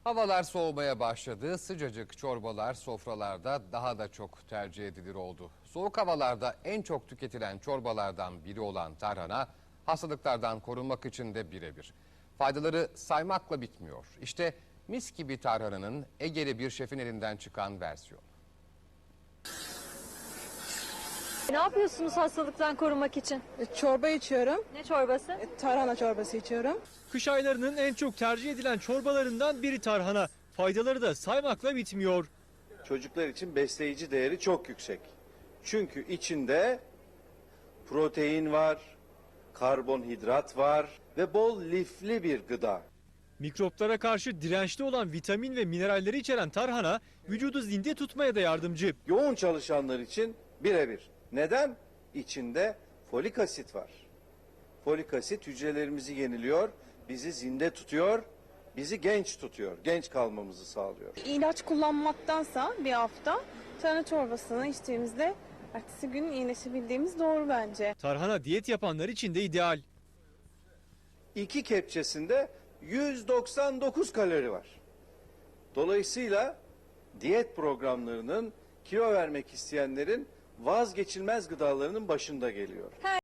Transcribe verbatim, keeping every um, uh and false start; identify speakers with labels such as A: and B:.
A: Havalar soğumaya başladı. Sıcacık çorbalar sofralarda daha da çok tercih edilir oldu. Soğuk havalarda en çok tüketilen çorbalardan biri olan tarhana, hastalıklardan korunmak için de birebir. Faydaları saymakla bitmiyor. İşte mis gibi tarhananın Ege'li bir şefin elinden çıkan versiyonu.
B: Ne yapıyorsunuz hastalıktan korunmak için?
C: E, Çorba içiyorum.
B: Ne çorbası?
C: E, Tarhana çorbası içiyorum.
D: Kış aylarının en çok tercih edilen çorbalarından biri tarhana. Faydaları da saymakla bitmiyor.
E: Çocuklar için besleyici değeri çok yüksek. Çünkü içinde protein var, karbonhidrat var ve bol lifli bir gıda.
D: Mikroplara karşı dirençli olan vitamin ve mineralleri içeren tarhana vücudu zinde tutmaya da yardımcı.
E: Yoğun çalışanlar için birebir. Neden? İçinde folik asit var. Folik asit hücrelerimizi yeniliyor, bizi zinde tutuyor, bizi genç tutuyor, genç kalmamızı sağlıyor.
C: İlaç kullanmaktansa bir hafta tarhana çorbasını içtiğimizde ertesi gün iyileşebildiğimiz doğru bence.
D: Tarhana diyet yapanlar için de ideal.
E: İki kepçesinde yüz doksan dokuz kalori var. Dolayısıyla diyet programlarının kilo vermek isteyenlerin vazgeçilmez gıdalarının başında geliyor.